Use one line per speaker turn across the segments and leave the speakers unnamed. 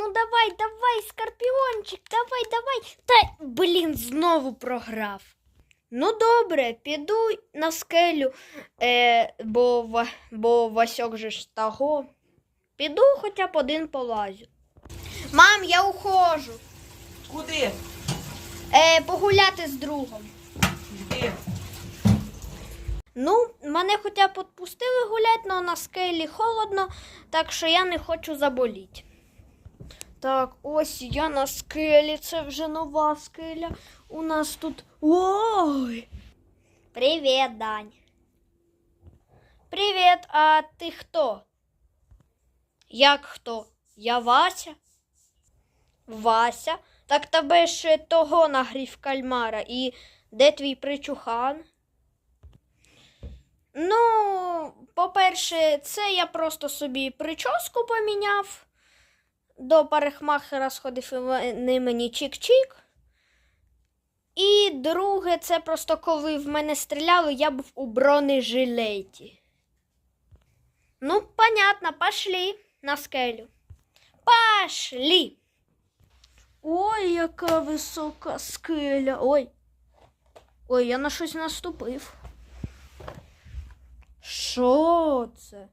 ну давай, Скорпіончик, давай. Та, блін, знову програв. Ну, добре, піду на скелю, бо Васьок же ж того. Піду хоча б один полазю. Мам, я ухожу.
Куди?
Погуляти з другом.
Де?
Ну, мене хоча б відпустили гуляти, але на скелі холодно, так що я не хочу заболіти. Так, ось я на скелі, це вже нова скеля. У нас тут... Ой! Привіт, Дань. Привіт, а ти хто? Як хто? Я Вася? Вася? Так тебе ж того нагрів кальмара. І де твій причухан? Ну, по-перше, це я просто собі прическу поміняв. До парикмахера сходив і вони мені чик-чик. І друге, це просто коли в мене стріляли, я був у бронежилеті. Ну, понятно, пошли на скелю. Пошли. Ой, яка висока скеля. Ой, я на щось наступив. Що це?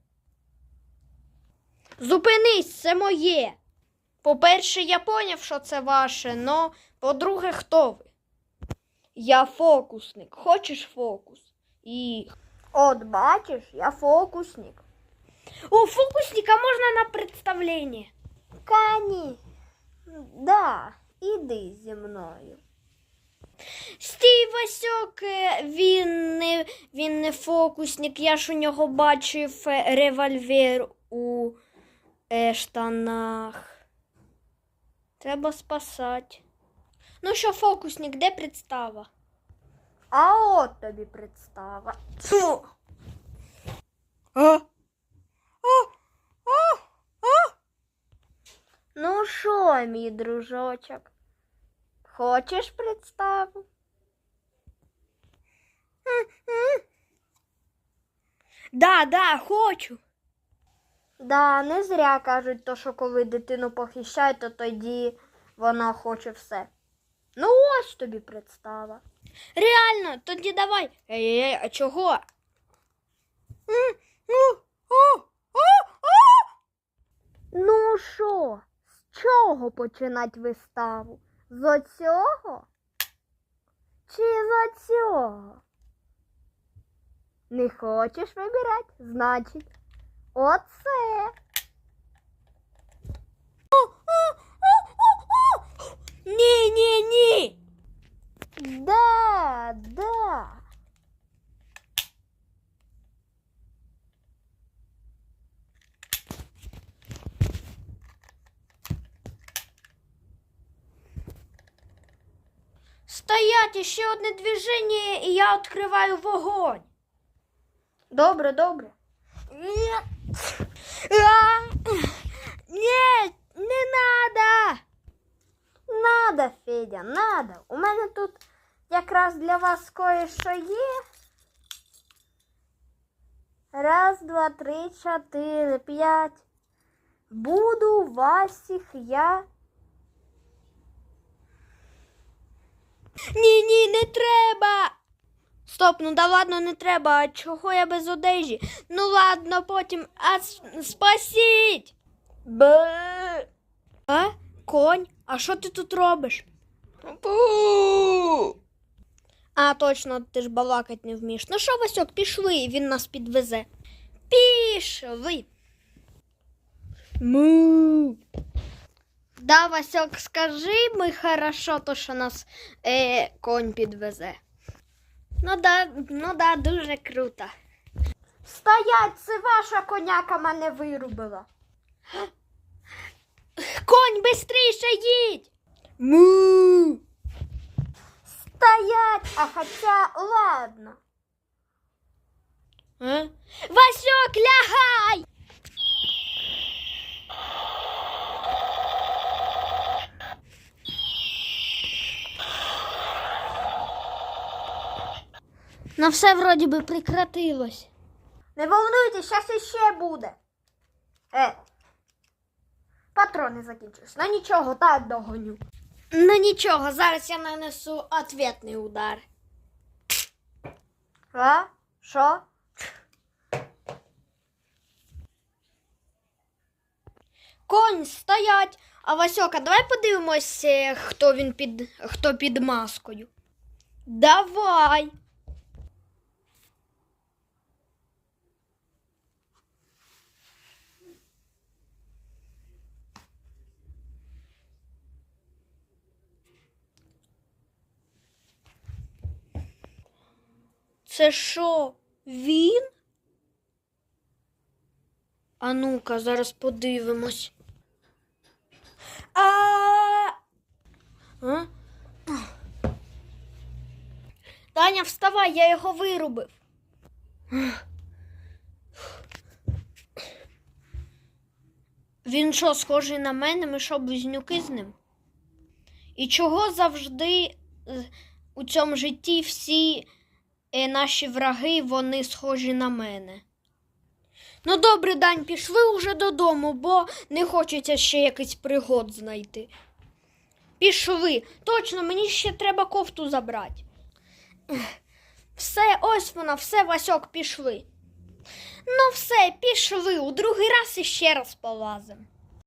Зупинись, це моє. По-перше, я поняв, що це ваше, но по-друге, хто ви? Я фокусник. Хочеш фокус? І... От бачиш, я фокусник. О, фокусника можна на представлення? Кані. Да, іди зі мною. Стій, Васьок, він не фокусник, я ж у нього бачив револьвер у штанах. Треба спасати. Ну що, фокусник, де представа? А от тобі представа. Фу. Ну що, мій дружочок? Хочеш представу? Да, хочу. Да, не зря кажуть, то, що коли дитину похищають, то тоді вона хоче все. Ну ось тобі представа. Реально, тоді давай. Ей, а чого? Ну що, з чого починати виставу? З оцього? Чи з оцього? Не хочеш вибирати? Значить, оце. Ні. Да. Стоять, ще одне движення, і я відкриваю вогонь. Добре. Ні, не надо. Надо, Федя, надо. У мене тут якраз для вас кое-що є. 1, 2, 3, 4, 5. Буду вас всіх я... Ні, не треба. Стоп, ну да ладно, не треба. А чого я без одежі? Ну ладно, потім. А спасіть. А? Конь? А що ти тут робиш? А, точно, ти ж балакать не вмієш. Ну що, Васьок, пішли, він нас підвезе. Пішли. Му. Да, Васьок, скажи ми хорошо, то що нас конь підвезе. Ну да, дуже круто. Стоять, це ваша коняка мене вирубила. Конь, бистріше їдь! Му! Стоять, а хоча, ладно. Васьок, лягай! Ну все вроді би прекратилось. Не волнуйтесь, зараз іще буде. патрони закінчились. Ну нічого, так догоню. Ну нічого, зараз я нанесу ответний удар. А? Що? Конь, стоять! А Васьока, давай подивимось, хто під маскою. Давай! Це що, він? А ну-ка, зараз подивимось. А? Таня, вставай, я його вирубив. Він що, схожий на мене? Ми що, близнюки з ним? І чого завжди у цьому житті всі наші враги, вони схожі на мене? Ну добре, Дань, пішли уже додому, бо не хочеться ще якийсь пригод знайти. Пішли. Точно, мені ще треба кофту забрати. Все, ось вона, все, Васьок, пішли. Ну все, пішли, у другий раз іще раз полазимо.